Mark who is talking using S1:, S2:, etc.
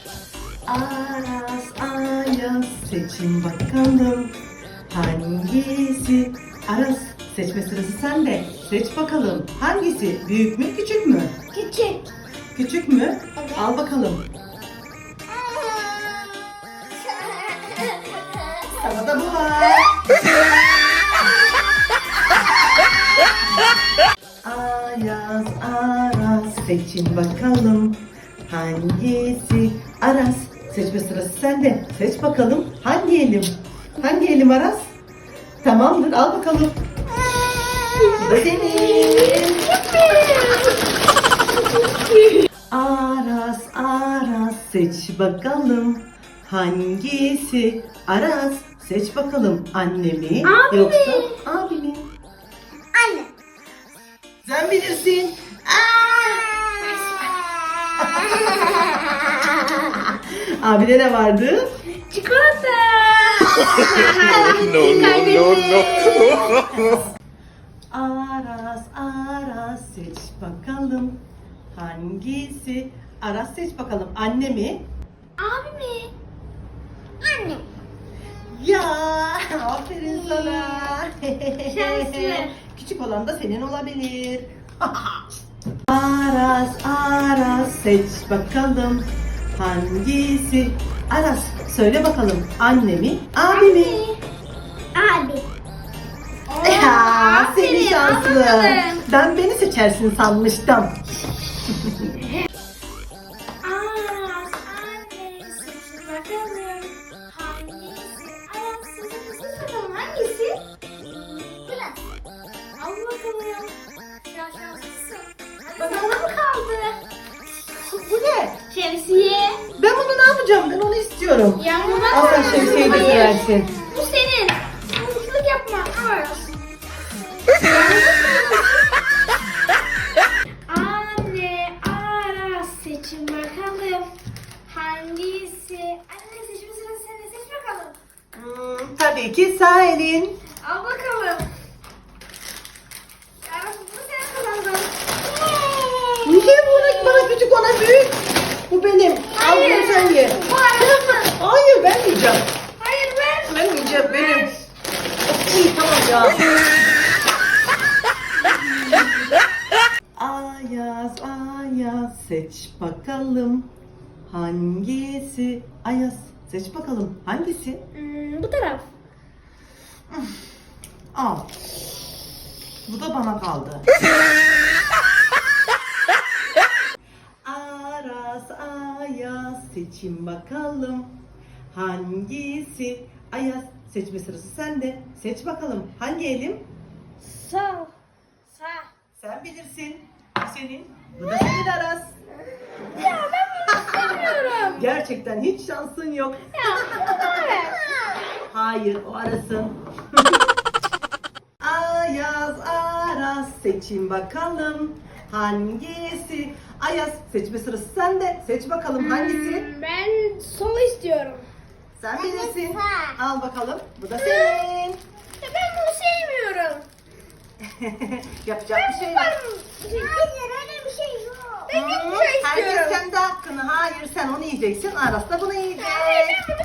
S1: Aras Ayaz seçin bakalım hangisi? Aras, seçme sırası sende. Seç bakalım hangisi? Büyük mü küçük mü?
S2: Küçük.
S1: Küçük mü?
S2: Evet.
S1: Al bakalım. Sana da bu var. Ayaz Aras seçin bakalım hangisi? Aras, seçme sırası sende. Seç bakalım hangi elim? Hangi elim Aras? Tamamdır, al bakalım. Bu da senin. Aras Aras seç bakalım hangisi? Aras, seç bakalım anne mi
S2: Abi mi?
S1: yoksa abi mi?
S2: Anne.
S1: Sen bilirsin. Abide ne vardı?
S2: Çikolata.
S1: Aras Aras seç bakalım hangisi? Aras, seç bakalım anne mi?
S2: Abi mi? Anne.
S1: Ya aferin sana.
S2: Şanslı.
S1: Küçük olan da senin olabilir. Aras Aras seç bakalım hangisi? Aras, söyle bakalım anne mi abi mi?
S2: Abi.
S1: Ya, seni şanslı.
S2: Aferin.
S1: Ben beni seçersin sanmıştım.
S2: Aras anne seçin bakalım hangisi? Aras seçin bakalım hangisi? Biraz. Al bakalım. Ya şanslısın. Bana mı kaldı?
S1: Bu ne?
S2: Şemsiye.
S1: Ben bunu ne yapacağım? Ben onu istiyorum.
S2: Yanına
S1: Al sen şemsiyeyi de
S2: Hayır.
S1: seversin.
S2: Bu senin. Yanlışlık yapma. Aras. Anne, Aras seçin bakalım. Hangisi? Anne seçme sırası sende. Seç bakalım.
S1: Tabii ki sağ elin.
S2: Al bakalım. Aras bunu sen kazandın.
S1: Niye bana küçük ona büyük? Bu benim. Al bunu sen ye.
S2: Bu Aras'ın.
S1: Hayır, ben yiyeceğim.
S2: Hayır ben.
S1: Ben yiyeceğim, benim. İyi, tamam ya. Ayaz Ayaz seç bakalım hangisi? Ayaz, seç bakalım hangisi?
S2: Bu taraf.
S1: Al. Bu da bana kaldı. Aras Ayaz seçin bakalım hangisi? Ayaz, seçme sırası sende. Seç bakalım hangi elim?
S2: Sağ. Sağ.
S1: Sen bilirsin. Bu senin. Bu da senin Aras.
S2: Ya ben bunu istemiyorum.
S1: Gerçekten hiç şansın yok.
S2: Ya evet.
S1: Hayır, o Aras'ın. Ayaz Aras seçin bakalım hangisi? Ayaz, seçme sırası sende. Seç bakalım hangisi?
S2: Ben sol istiyorum.
S1: Sen bilirsin.
S2: sağ.
S1: Al bakalım. Bu da senin.
S2: Ya ben bunu sevmiyorum.
S1: Yapacak bir şey yok.
S2: Hayır öyle bir şey yok. Ben
S1: Hı,
S2: bir şey
S1: Herkes
S2: istiyorum.
S1: kendi hakkını. Hayır, sen onu yiyeceksin. Aras da bunu yiyecek.
S2: Hayır ben bunu